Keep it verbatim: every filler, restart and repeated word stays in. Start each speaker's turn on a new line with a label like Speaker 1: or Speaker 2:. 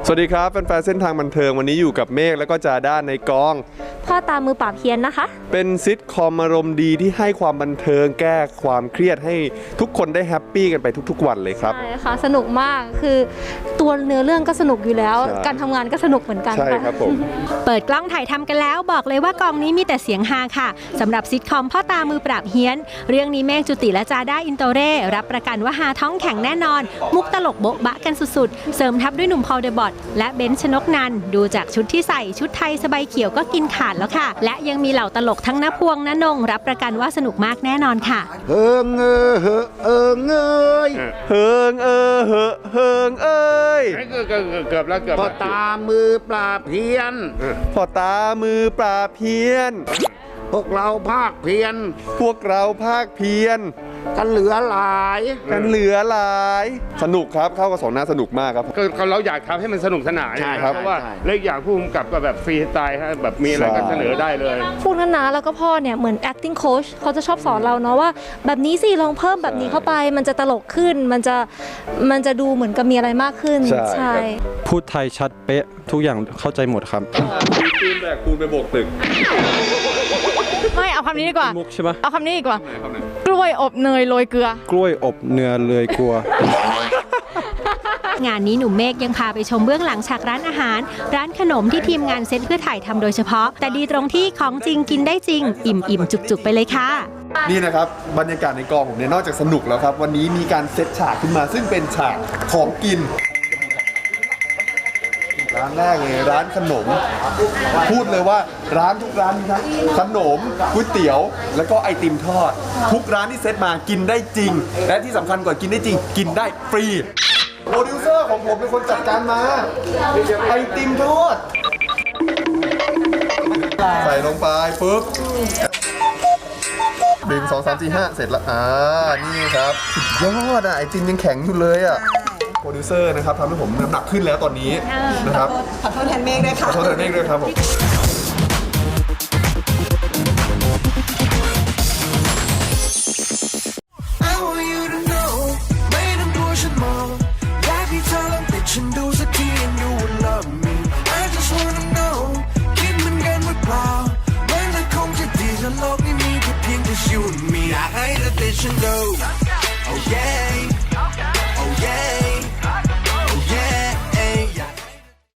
Speaker 1: สวัสดีครับแฟนๆเส้นทางบันเทิงวันนี้อยู่กับเมฆแล้วก็จาด้าในกอง
Speaker 2: พ่อตามือปราบเฮียนนะคะ
Speaker 1: เป็นซิทคอมอารมณ์ดีที่ให้ความบันเทิงแก้ความเครียดให้ทุกคนได้แฮปปี้กันไปทุกๆวันเลยครับ
Speaker 2: ใช่ค่ะสนุกมากคือตัวเนื้อเรื่องก็สนุกอยู่แล้วการทำงานก็สนุกเหมือนกัน
Speaker 1: ใช่ครับผม
Speaker 3: เปิดกล้องถ่ายทำกันแล้วบอกเลยว่ากองนี้มีแต่เสียงฮาค่ะสำหรับซิทคอมพ่อตามือปราบเฮียนเรื่องนี้เมฆจุติและจาด้าอินโตเร่รับประกันว่าฮาท้องแข็งแน่นอนมุกตลกโบ๊ะบะกันสุดๆเสริมทับด้วยหนุ่มพอลเดอะบอทและเบนซ์ชนกนันท์ดูจากชุดที่ใส่ชุดไทยสบายเขียวก็กินขาดแล้วค่ะและยังมีเหล่าตลกทั้งณพวงณนงรับประกันว่าสนุกมากแน่นอนค่ะ
Speaker 4: เฮิงเออเฮอเอิงเอ้ย
Speaker 1: เฮิงเออเฮอเฮิงเอ้ย
Speaker 5: เกือบเกือบเกือบแล้วเกือบ
Speaker 4: พ่อตามือปราบเพียน
Speaker 1: พ่อตามือปราบเพี้ยน
Speaker 4: พวกเราภาคเพียน
Speaker 1: พวกเราภาคเพี้ยน
Speaker 4: กันเหลือหลาย
Speaker 1: กันเหลือหลายสนุกครับเข้ากับสองหน้าสนุกมากครับ
Speaker 5: ก็เราอยากทำให้มันสนุกสนาน
Speaker 4: ใช่
Speaker 5: ครับเพราะว่าเล็กอย่างผู้กำกับก็แบบฟรีสไตล์ฮะแบบมีอะไรก็เสนอได้เลย
Speaker 2: พวกนั้นนะแล้วก็พ่อเนี่ยเหมือน acting coach เขาจะชอบสอนเราเนาะว่าแบบนี้สิลองเพิ่มแบบนี้เข้าไปมันจะตลกขึ้นมันจะมันจะดูเหมือนกับมีอะไรมากขึ้นใช่
Speaker 6: พูดไทยชัดเป๊ะทุกอย่างเข้าใจหมดครับ
Speaker 1: ปูนแบกปูนไปโบกตึก
Speaker 7: ไม่เอาคำนี้ดีกว่า
Speaker 6: มุกใช่ปะ
Speaker 7: เอาคำนี้ดีกว่า กล้วยอบเนยโรยเกลือก
Speaker 6: ล้วยอบเนื้อเลยกลัว
Speaker 3: งานนี้หนุ่มเมฆยังพาไปชมเบื้องหลังฉากร้านอาหารร้านขนมที่ทีมงานเซตเพื่อถ่ายทำโดยเฉพาะแต่ดีตรงที่ของจริงกินได้จริงอิ่มอิ่มจุกจุกไปเลยค่ะ
Speaker 1: นี่นะครับบรรยากาศในกองผมเนี่ยนอกจากสนุกแล้วครับวันนี้มีการเซตฉากขึ้นมาซึ่งเป็นฉากของกินร้านแรกเลยร้านขนมพูดเลยว่าร้านทุกร้านมีทั้งขนมก๋วยเตี๋ยวแล้วก็ไอติมทอดทุกร้านที่เซตมากินได้จริงและที่สำคัญกว่ากินได้จริงกินได้ฟรีโปรดิวเซอร์ของผมเป็นคนจัดการมาไอติมทอดใส่ลงไปปุ๊บหนึ่งสองสามสี่ห้าเสร็จแล้วอ่านี่ครับยอดอ่ะไอติมยังแข็งอยู่เลยอ่ะโปรดิวเซอร์นะครับทำให้ผมน้ำหนักขึ้นแล้วตอนนี้นะครับ
Speaker 8: ขอโทษแทนเมฆด้วยค่ะ
Speaker 1: ขอโทษแทนเมฆด้วยครับผม
Speaker 9: ฉันดูสักทีand you will love me I just wanna know คิดเหมือนกันหรือเปล่ามันจะคงจะดีถ้าโลกนี้มีแค่เพียงแต่ you and me อยากให้เธอติดฉันดู oh yeah